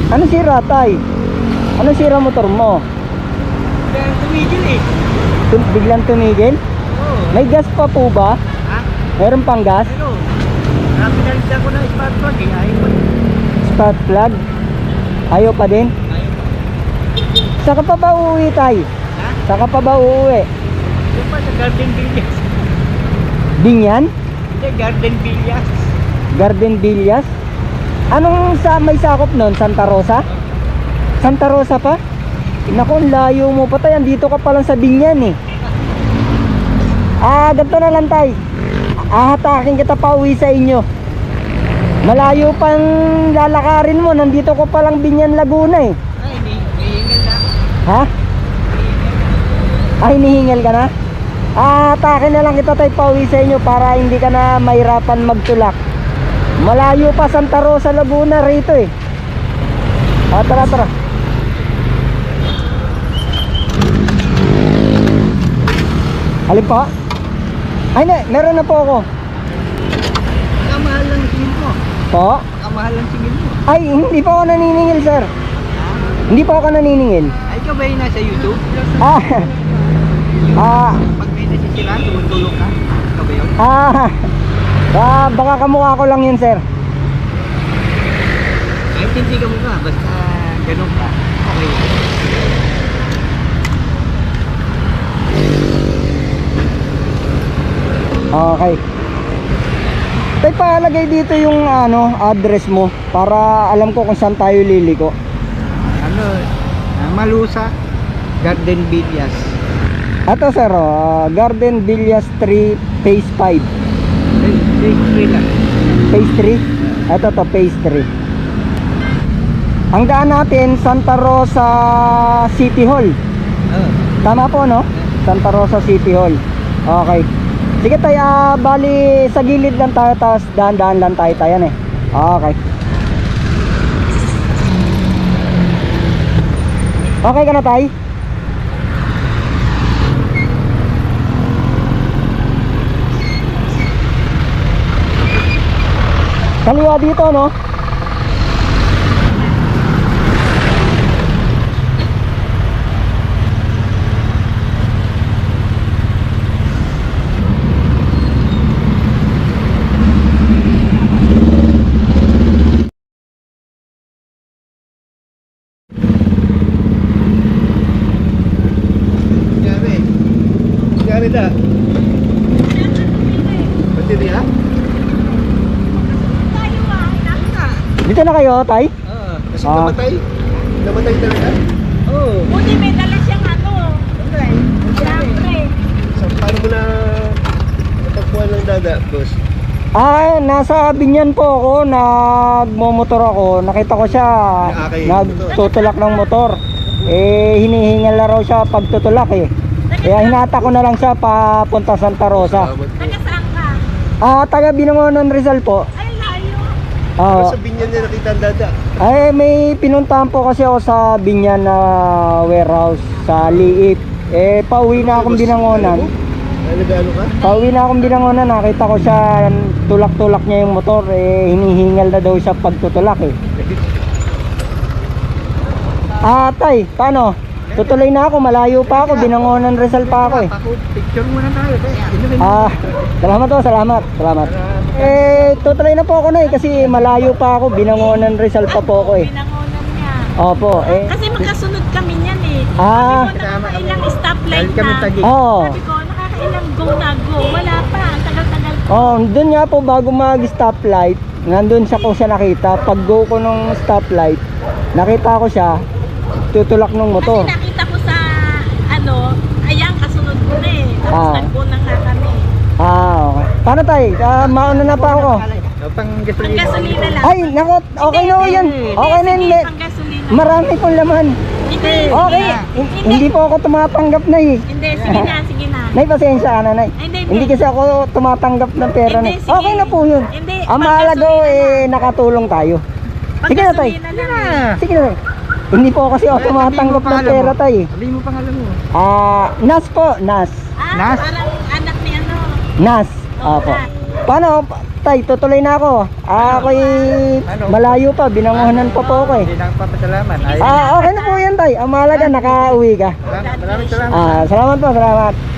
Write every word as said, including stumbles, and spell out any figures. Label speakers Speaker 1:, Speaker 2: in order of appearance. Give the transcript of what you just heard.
Speaker 1: Ano sira, tay? Ano sira motor mo?
Speaker 2: Biglang tumigil eh.
Speaker 1: Tum- biglang tumigil?
Speaker 2: Oo.
Speaker 1: May gas pa po ba?
Speaker 2: Ha?
Speaker 1: Meron pang gas?
Speaker 2: Pero, napinalitan ko ng smart plug eh. Ayaw pa.
Speaker 1: Spark plug? Ayaw pa din?
Speaker 2: Ayaw pa.
Speaker 1: Saka pa ba uuwi, tay?
Speaker 2: Ha?
Speaker 1: Saka pa ba uuwi?
Speaker 2: Yung pa sa Garden Villas.
Speaker 1: Binyan?
Speaker 2: Hindi, Garden Villas.
Speaker 1: Garden Villas? Anong sa may sakop nun? Santa Rosa? Santa Rosa pa? Naku, ang layo mo pa, tay. Andito ka pa lang sa Binyan eh. Ah, ganito na lang, tay. Ahatakin kita pa uwi sa inyo. Malayo pang lalakarin mo. Nandito ko pa lang Binyan, Laguna eh.
Speaker 2: Ay, may, may hingal na.
Speaker 1: Ha? Ah, hinihingal ka na? Ah, atakin na lang kita, tay, pa uwi sa inyo para hindi ka na mahirapan magtulak. Malayo pa Santa Rosa, Laguna rito eh. Ah, tara, tara. Alin po? Ay, na, meron na po ako.
Speaker 2: Kamahal lang singil mo.
Speaker 1: Po?
Speaker 2: Kamahal lang singil mo.
Speaker 1: Ay, hindi pa ako naniningil, sir. Hindi pa ako naniningil.
Speaker 2: Ay, ikaw ba yung nasa YouTube?
Speaker 1: Ah, ah,
Speaker 2: Pag may nasisiraan, tumutulong ka. Ikaw ba yun?
Speaker 1: ah, ah, baka kamukha ko lang yun, sir.
Speaker 2: Kahit hindi ka mukha, basta ganun ka. Okay.
Speaker 1: Okay. Tay, palagay dito yung ano, address mo para alam ko kung saan tayo liliko.
Speaker 2: Ano, ah, Malusa, Garden Villas.
Speaker 1: Ato, sir, oh, Garden Villas three, phase five.
Speaker 2: Phase three lang.
Speaker 1: Phase three? Ito to, phase three. Ang daan natin, Santa Rosa City Hall.
Speaker 2: Oh.
Speaker 1: Tama po, no? Santa Rosa City Hall. Okay. Sige, tayo, ah, bali sa gilid lang tayo, tapos dahan-dahan lang tayo tayo eh. Okay. Okay ka na, tay? Kaliwa dito, no?
Speaker 2: Nangyari. Nangyari na. Pati niya?
Speaker 1: Dito na kayo, tay?
Speaker 2: Oo. Kasi
Speaker 1: Ah.
Speaker 2: namatay. Namatay talaga? Oo.
Speaker 3: Buti may dala siyang ano. Siyempre.
Speaker 2: So, paano mo na napagpuan ng dada, boss?
Speaker 1: Ah, nasa Binyan po ako, nagmomotor ako. Nakita ko siya
Speaker 2: Nakakay-
Speaker 1: nagtutulak ng motor. Eh, hinihingal na raw siya pagtutulak eh. Kaya hinata ko na lang siya papunta Santa Rosa.
Speaker 2: Salamat po.
Speaker 3: Taga saan ka?
Speaker 1: Ah, taga Binangonan, Rizal po.
Speaker 3: Ay, layo.
Speaker 1: Ah,
Speaker 2: Pero sa binyan niya nakita ang dada.
Speaker 1: ay, may pinuntahan po kasi ako sa Binyan na warehouse sa Liip. Eh, pauwi na akong Binangonan.
Speaker 2: Ay, nag-ano ka?
Speaker 1: Pauwi na akong Binangonan, nakita ko siya tulak-tulak niya yung motor. Eh, hinihingal na daw siya pagtutulak eh. Ah, tay, paano? Tutuloy na ako, malayo pa ako, Binangonan, Rizal pa ako eh.
Speaker 2: Picture muna tayo. Inumin mo.
Speaker 1: Ah, salamat po, salamat, salamat. Eh, tutuloy na po ako na eh, kasi malayo pa ako, Binangonan, Rizal pa po ako eh.
Speaker 3: Pinangonan niya.
Speaker 1: Opo, eh.
Speaker 3: Kasi magkasunod kami niyan eh.
Speaker 1: Ah.
Speaker 3: Sabi ko, nakakailang stoplight
Speaker 2: Dahil kami
Speaker 3: na.
Speaker 2: tagi.
Speaker 1: Oo.
Speaker 3: Sabi ko, nakakailang go na go. Wala pa. Ang tagal-tagal pa.
Speaker 1: Oh, doon nga po bago mag-stoplight, nandun siya ko siya nakita. Pag go ko nung stoplight, nakita ko siya tutulak ng motor.
Speaker 3: Kasi nakita ko sa ano, ayan, kasunod ko na eh. Tapos
Speaker 1: Ah.
Speaker 3: nag-go na nga kami.
Speaker 1: Ah, okay. Paano tayo? Ah, mauna na pa ako.
Speaker 2: Pang
Speaker 3: Pang
Speaker 2: gasolina.
Speaker 3: gasolina lang.
Speaker 1: Ay, nako, okay na
Speaker 3: Hindi,
Speaker 1: yan.
Speaker 3: hindi,
Speaker 1: Okay na
Speaker 3: sige,
Speaker 1: yan.
Speaker 3: pang gasolina.
Speaker 1: Marami pong laman.
Speaker 3: Hindi,
Speaker 1: Okay,
Speaker 3: sige.
Speaker 1: hin- hindi po ako tumatanggap na eh.
Speaker 3: Hindi, sige na, sige na.
Speaker 1: Nay, pasensya ka na, Nay.
Speaker 3: Ay, hindi,
Speaker 1: Hindi kasi ako tumatanggap ng pera na.
Speaker 3: Hindi, sige.
Speaker 1: Okay na po yun.
Speaker 3: Hindi,
Speaker 1: Ang mahalaga
Speaker 3: panggasolina
Speaker 1: eh, nakatulong tayo.
Speaker 3: Pang
Speaker 1: Sige na, tay.
Speaker 3: gasolina lang.
Speaker 1: Sige na, Tay. Hindi po kasi ako tumatanggap ng pera, Tay.
Speaker 2: Sabihin mo pangalan mo.
Speaker 1: Ah, Nas po, Nas.
Speaker 3: Ah,
Speaker 2: Nas?
Speaker 3: parang anak ni ano.
Speaker 1: Nas.
Speaker 3: Oh,
Speaker 1: Opo.
Speaker 3: Nas.
Speaker 1: Paano? tay, tutuloy na ako. Ah, ako'y malayo pa, binanguhanan pa po ako eh.
Speaker 2: Hindi lang papasalaman. Ay,
Speaker 1: Ah, okay na po yan tay. Ang mahalaga, nakauwi ka.
Speaker 2: maraming salamat.
Speaker 1: Ah, salamat po, salamat.